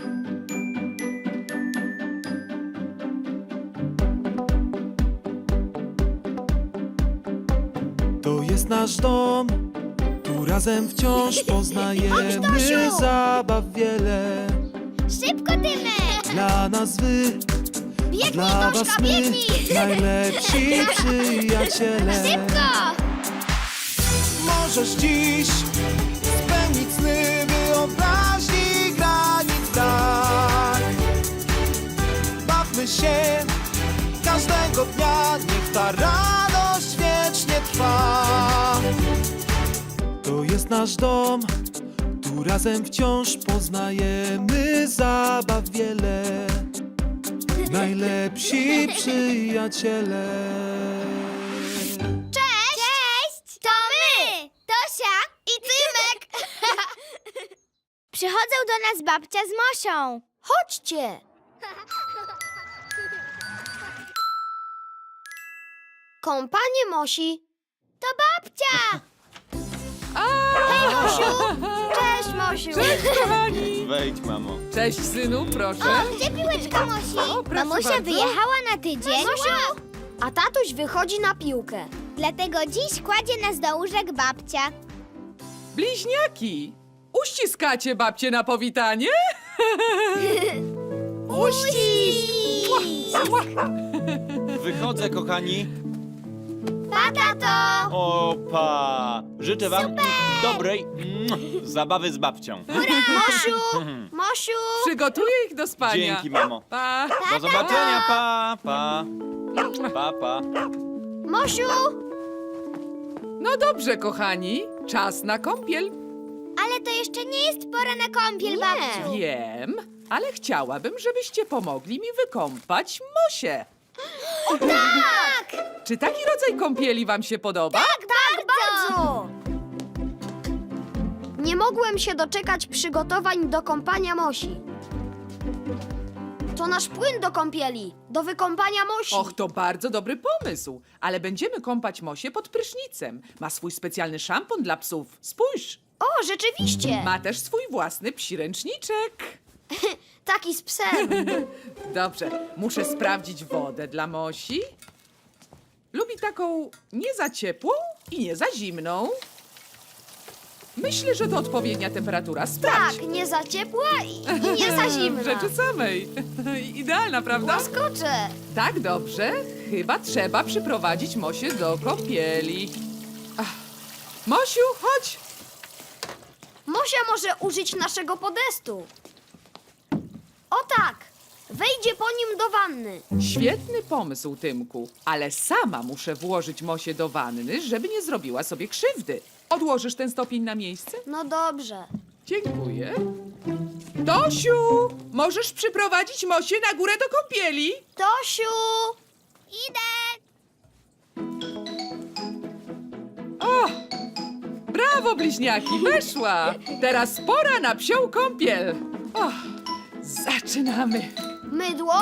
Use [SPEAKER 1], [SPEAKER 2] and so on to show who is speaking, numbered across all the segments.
[SPEAKER 1] To jest nasz dom, tu razem wciąż poznajemy
[SPEAKER 2] Tosiu!
[SPEAKER 1] zabaw wiele.
[SPEAKER 2] Szybko, Tymek!
[SPEAKER 1] Dla nas wy,
[SPEAKER 2] Biegnij,
[SPEAKER 1] dla was
[SPEAKER 2] Toszka,
[SPEAKER 1] my,
[SPEAKER 2] biegnij!
[SPEAKER 1] najlepsi przyjaciele.
[SPEAKER 2] Szybko!
[SPEAKER 1] Możesz dziś spełnić sny wyobraźni granic brak. Bawmy się każdego dnia, niech ta radość wiecznie trwa. To jest nasz dom, tu razem wciąż poznajemy zabaw wiele. Najlepsi przyjaciele.
[SPEAKER 2] Cześć! Cześć! To my! Tosia i Tymek! Przychodzą do nas babcia z Mosią. Chodźcie! Kąpanie Mosi. To babcia! Hej, Mosiu! Cześć, Mosiu!
[SPEAKER 3] Cześć, kochani!
[SPEAKER 4] Wejdź, mamo.
[SPEAKER 3] Cześć, synu, proszę.
[SPEAKER 2] Gdzie piłeczka Mosi?
[SPEAKER 3] O, proszę
[SPEAKER 2] Mamusia
[SPEAKER 3] bardzo.
[SPEAKER 2] wyjechała na tydzień.
[SPEAKER 5] Mosiu! A tatuś wychodzi na piłkę.
[SPEAKER 2] Dlatego dziś kładzie nas do łóżek babcia.
[SPEAKER 3] Bliźniaki! Uściskacie babcię na powitanie?
[SPEAKER 4] Wychodzę, kochani.
[SPEAKER 2] Pa, tato!
[SPEAKER 4] Opa! Życzę wam dobrej zabawy z babcią.
[SPEAKER 2] Mosiu! Mosiu!
[SPEAKER 3] Przygotuję ich do spania.
[SPEAKER 4] Dzięki, mamo.
[SPEAKER 3] Pa.
[SPEAKER 4] Do zobaczenia, pa, pa. Pa, pa.
[SPEAKER 2] Mosiu!
[SPEAKER 3] No dobrze, kochani. Czas na kąpiel.
[SPEAKER 2] Ale to jeszcze nie jest pora na kąpiel, babciu.
[SPEAKER 3] Wiem, ale chciałabym, żebyście pomogli mi wykąpać Mosię.
[SPEAKER 2] Tak!
[SPEAKER 3] Czy taki rodzaj kąpieli wam się podoba?
[SPEAKER 2] Tak, bardzo!
[SPEAKER 5] Nie mogłem się doczekać przygotowań do kąpania Mosi. To nasz płyn do kąpieli, do wykąpania Mosi.
[SPEAKER 3] Och, to bardzo dobry pomysł. Ale będziemy kąpać Mosię pod prysznicem. Ma swój specjalny szampon dla psów. Spójrz.
[SPEAKER 5] O, rzeczywiście!
[SPEAKER 3] Ma też swój własny psi ręczniczek.
[SPEAKER 5] Taki z psem.
[SPEAKER 3] Dobrze, muszę sprawdzić wodę dla Mosi. Lubi taką nie za ciepłą i nie za zimną. Myślę, że to odpowiednia temperatura. Sprawdź.
[SPEAKER 5] Tak, nie za ciepła i nie za
[SPEAKER 3] W
[SPEAKER 5] zimna.
[SPEAKER 3] rzeczy samej. Idealna, prawda?
[SPEAKER 5] Łaskocze.
[SPEAKER 3] Tak, dobrze. Chyba trzeba przyprowadzić Mosię do kąpieli. Ach. Mosiu, chodź.
[SPEAKER 5] Mosia może użyć naszego podestu. O tak, wejdzie po nim do wanny.
[SPEAKER 3] Świetny pomysł, Tymku. Ale sama muszę włożyć Mosię do wanny, żeby nie zrobiła sobie krzywdy. Odłożysz ten stopień na miejsce?
[SPEAKER 5] No dobrze.
[SPEAKER 3] Dziękuję. Tosiu, możesz przyprowadzić Mosię na górę do kąpieli?
[SPEAKER 5] Tosiu!
[SPEAKER 2] Idę!
[SPEAKER 3] O, brawo, bliźniaki, weszła. Teraz pora na psią kąpiel. O, zaczynamy.
[SPEAKER 5] Mydło?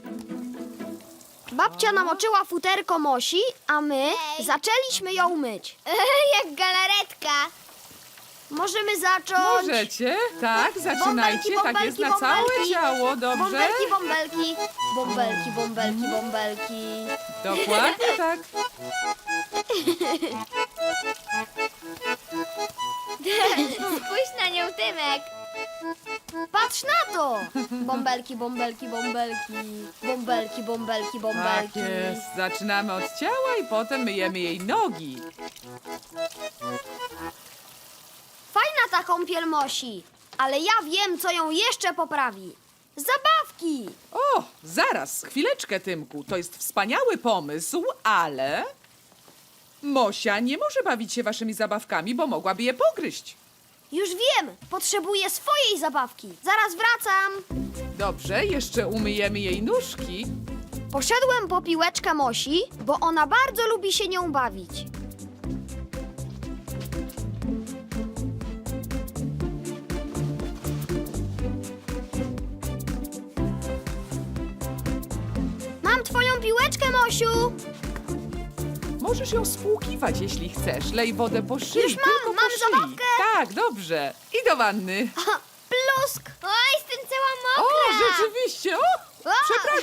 [SPEAKER 5] Babcia namoczyła futerko Mosi, a my zaczęliśmy ją myć.
[SPEAKER 2] Jak galaretka.
[SPEAKER 5] Możemy zacząć.
[SPEAKER 3] Możecie? Tak, zaczynajcie. Tak jest na całe ciało, dobrze?
[SPEAKER 5] Bąbelki, bąbelki. Bąbelki, bąbelki, bąbelki.
[SPEAKER 3] Dokładnie tak.
[SPEAKER 2] Spójrz na nią, Tymek.
[SPEAKER 5] Patrz na to! Bąbelki, bąbelki, bąbelki. Bąbelki, bąbelki,
[SPEAKER 3] Tak
[SPEAKER 5] bąbelki.
[SPEAKER 3] jest. Zaczynamy od ciała i potem myjemy jej nogi.
[SPEAKER 5] Fajna ta kąpiel Mosi, ale ja wiem, co ją jeszcze poprawi. Zabawki!
[SPEAKER 3] O, zaraz, chwileczkę, Tymku. To jest wspaniały pomysł, ale Mosia nie może bawić się waszymi zabawkami, bo mogłaby je pogryźć.
[SPEAKER 5] Już wiem, potrzebuję swojej zabawki. Zaraz wracam.
[SPEAKER 3] Dobrze, jeszcze umyjemy jej nóżki.
[SPEAKER 5] Poszedłem po piłeczkę Mosi, bo ona bardzo lubi się nią bawić. Mam twoją piłeczkę, Mosiu!
[SPEAKER 3] Możesz ją spłukiwać, jeśli chcesz. Lej wodę po szyi,
[SPEAKER 5] Już mam,
[SPEAKER 3] tylko po
[SPEAKER 5] mam
[SPEAKER 3] szyi.
[SPEAKER 5] zabawkę.
[SPEAKER 3] Tak, dobrze. I do wanny.
[SPEAKER 5] Plusk!
[SPEAKER 2] O, jestem cała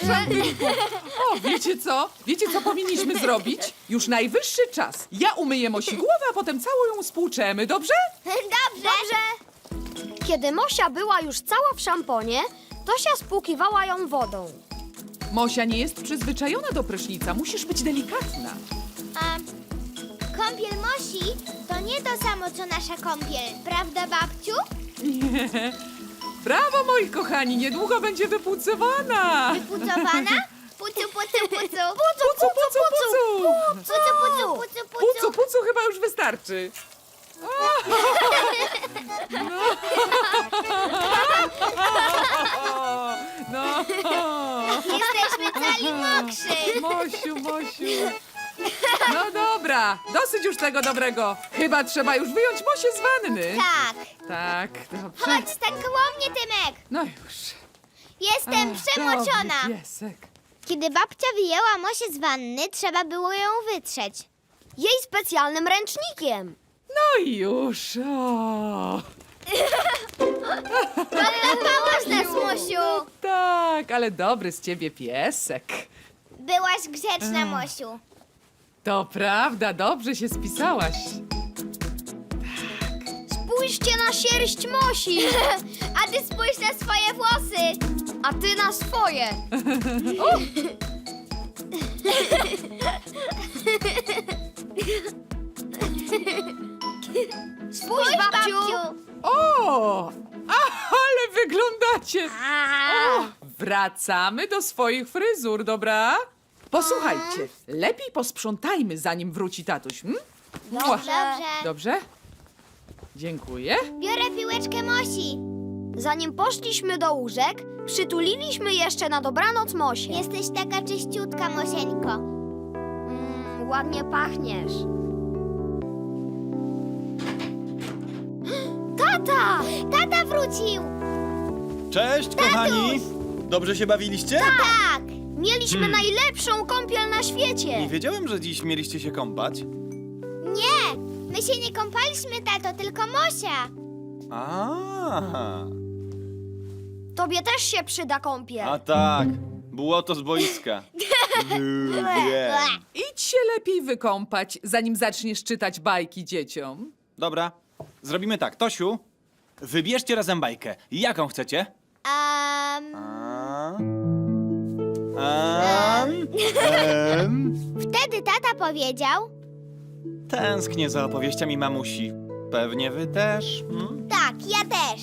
[SPEAKER 3] Przepraszam, Tymku. O, wiecie co? Wiecie, co powinniśmy zrobić? Już najwyższy czas. Ja umyję Mosi głowę, a potem całą ją spłuczemy, dobrze?
[SPEAKER 2] Dobrze.
[SPEAKER 5] Kiedy Mosia była już cała w szamponie, Tosia spłukiwała ją wodą.
[SPEAKER 3] Mosia nie jest przyzwyczajona do prysznica. Musisz być delikatna.
[SPEAKER 2] A kąpiel Mosi to nie to samo, co nasza kąpiel. Prawda, babciu?
[SPEAKER 3] Brawo, moi kochani, niedługo będzie wypłucowana.
[SPEAKER 2] Pucowana? Pucu, pucu, pucu.
[SPEAKER 3] Pucu, pucu, pucu.
[SPEAKER 2] Pucu, pucu, pucu,
[SPEAKER 3] Pucu,
[SPEAKER 2] pucu.
[SPEAKER 3] pucu chyba już wystarczy. No.
[SPEAKER 2] Jesteśmy cali mokrzy.
[SPEAKER 3] Mosiu, Mosiu. No dobra, dosyć już tego dobrego. Chyba trzeba już wyjąć Mosię z wanny.
[SPEAKER 2] Tak.
[SPEAKER 3] Tak, dobrze.
[SPEAKER 2] Chodź, stań koło mnie, Tymek.
[SPEAKER 3] No już.
[SPEAKER 2] Jestem
[SPEAKER 3] Ach,
[SPEAKER 2] przemoczona.
[SPEAKER 3] dobry piesek.
[SPEAKER 2] Kiedy babcia wyjęła Mosię z wanny, trzeba było ją wytrzeć.
[SPEAKER 5] Jej specjalnym ręcznikiem.
[SPEAKER 3] No i już. O.
[SPEAKER 2] Odlapałaś nas, Mosiu.
[SPEAKER 3] Tak, ale dobry z ciebie piesek.
[SPEAKER 2] Byłaś grzeczna, Mosiu.
[SPEAKER 3] To prawda, dobrze się spisałaś.
[SPEAKER 5] Spójrzcie na sierść Mosi,
[SPEAKER 2] A ty spójrz na swoje włosy.
[SPEAKER 5] a ty na swoje. Spójrz, babciu.
[SPEAKER 3] O, ale wyglądacie. O, wracamy do swoich fryzur, dobra? Posłuchajcie, lepiej posprzątajmy, zanim wróci tatuś. Mua.
[SPEAKER 2] Dobrze.
[SPEAKER 3] Dobrze? Dziękuję.
[SPEAKER 2] Biorę piłeczkę Mosi.
[SPEAKER 5] Zanim poszliśmy do łóżek, przytuliliśmy jeszcze na dobranoc Mosię.
[SPEAKER 2] Jesteś taka czyściutka, Mosieńko.
[SPEAKER 5] Ładnie pachniesz. Tata!
[SPEAKER 2] Tata wrócił.
[SPEAKER 4] Cześć, kochani! Dobrze się bawiliście?
[SPEAKER 2] Tak.
[SPEAKER 5] Mieliśmy najlepszą kąpiel na
[SPEAKER 4] Nie
[SPEAKER 5] świecie.
[SPEAKER 4] wiedziałem, że dziś mieliście się kąpać.
[SPEAKER 2] Nie, my się nie kąpaliśmy, tato, tylko Mosia.
[SPEAKER 4] A,
[SPEAKER 5] Tobie też się przyda kąpiel.
[SPEAKER 4] a tak, błoto z boiska. Lubię.
[SPEAKER 3] Idź się lepiej wykąpać, zanim zaczniesz czytać bajki dzieciom.
[SPEAKER 4] Dobra, zrobimy tak. Tosiu, wybierzcie razem bajkę. Jaką chcecie?
[SPEAKER 2] Wtedy tata powiedział,
[SPEAKER 4] Tęsknię za opowieściami mamusi. Pewnie wy też.
[SPEAKER 2] tak, ja też.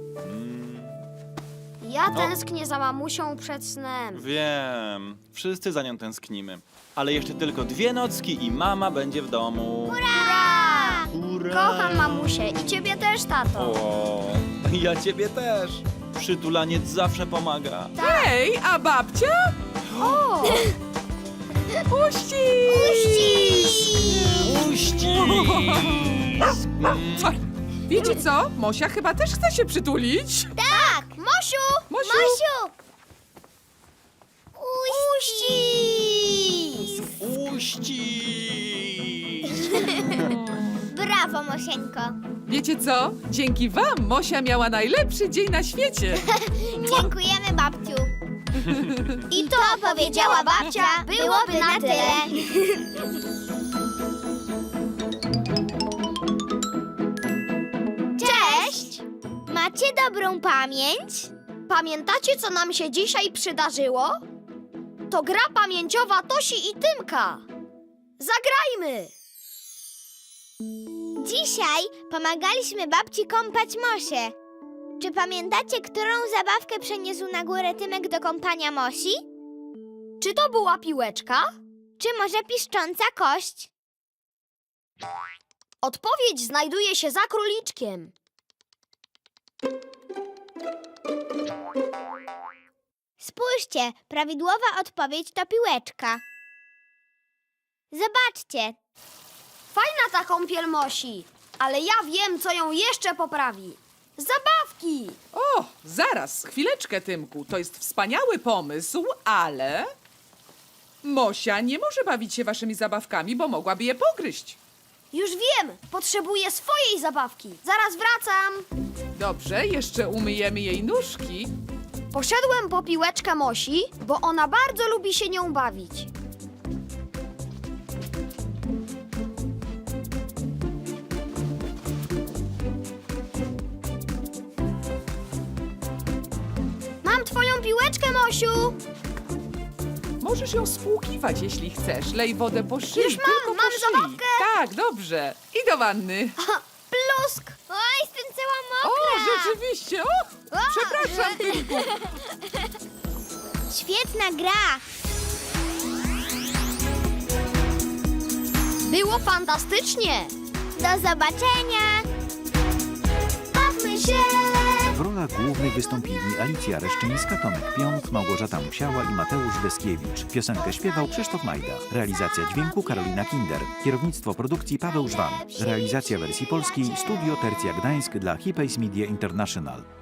[SPEAKER 5] Ja tęsknię za mamusią przed snem.
[SPEAKER 4] Wiem, wszyscy za nią tęsknimy. Ale jeszcze tylko 2 nocki i mama będzie w domu.
[SPEAKER 2] Ura!
[SPEAKER 4] Ura!
[SPEAKER 5] Kocham mamusię i ciebie też, tato.
[SPEAKER 4] O, ja ciebie też. Przytulaniec zawsze pomaga.
[SPEAKER 3] Hej, a babcia?
[SPEAKER 5] O!
[SPEAKER 4] Uści!
[SPEAKER 3] Wiecie co? Mosia chyba też chce się przytulić.
[SPEAKER 2] Tak! Mosiu!
[SPEAKER 3] Mosiu!
[SPEAKER 2] Mosiu! Uścisk!
[SPEAKER 4] Uścisk!
[SPEAKER 2] Brawo, Mosieńko.
[SPEAKER 3] Wiecie co? Dzięki wam Mosia miała najlepszy dzień na świecie.
[SPEAKER 2] Dziękujemy, babciu. I to powiedziała babcia, byłoby na tyle. Cześć! Macie dobrą pamięć?
[SPEAKER 5] Pamiętacie, co nam się dzisiaj przydarzyło? To gra pamięciowa Tosi i Tymka. Zagrajmy!
[SPEAKER 2] Dzisiaj pomagaliśmy babci kąpać Mosię. Czy pamiętacie, którą zabawkę przeniósł na górę Tymek do kąpania Mosi?
[SPEAKER 5] Czy to była piłeczka?
[SPEAKER 2] Czy może piszcząca kość?
[SPEAKER 5] Odpowiedź znajduje się za króliczkiem.
[SPEAKER 2] Spójrzcie, prawidłowa odpowiedź to piłeczka. Zobaczcie,
[SPEAKER 5] Fajna ta kąpiel Mosi, ale ja wiem, co ją jeszcze poprawi. Zabawki!
[SPEAKER 3] O, zaraz, chwileczkę, Tymku. To jest wspaniały pomysł, ale Mosia nie może bawić się waszymi zabawkami, bo mogłaby je pogryźć.
[SPEAKER 5] Już wiem, potrzebuję swojej zabawki. Zaraz wracam.
[SPEAKER 3] Dobrze, jeszcze umyjemy jej nóżki.
[SPEAKER 5] Poszedłem po piłeczkę Mosi, bo ona bardzo lubi się nią bawić. Mam twoją piłeczkę, Mosiu!
[SPEAKER 3] Możesz ją spłukiwać, jeśli chcesz. Lej wodę po szyi.
[SPEAKER 5] Już mam,
[SPEAKER 3] tylko po
[SPEAKER 5] mam
[SPEAKER 3] szyi.
[SPEAKER 5] zabawkę.
[SPEAKER 3] Tak, dobrze. I do wanny.
[SPEAKER 5] Plusk!
[SPEAKER 2] Oj, jestem cała
[SPEAKER 3] O,
[SPEAKER 2] mokra.
[SPEAKER 3] rzeczywiście. O, przepraszam, Tymku.
[SPEAKER 2] Świetna gra.
[SPEAKER 5] Było fantastycznie!
[SPEAKER 2] Do zobaczenia. Bawmy się.
[SPEAKER 6] W rolach głównych wystąpili Alicja Reszczyńska, Tomek Piąt, Małgorzata Musiała i Mateusz Deskiewicz. Piosenkę śpiewał Krzysztof Majda. Realizacja dźwięku Karolina Kinder. Kierownictwo produkcji Paweł Żwan. Realizacja wersji polskiej Studio Tercja Gdańsk dla Hipays Media International.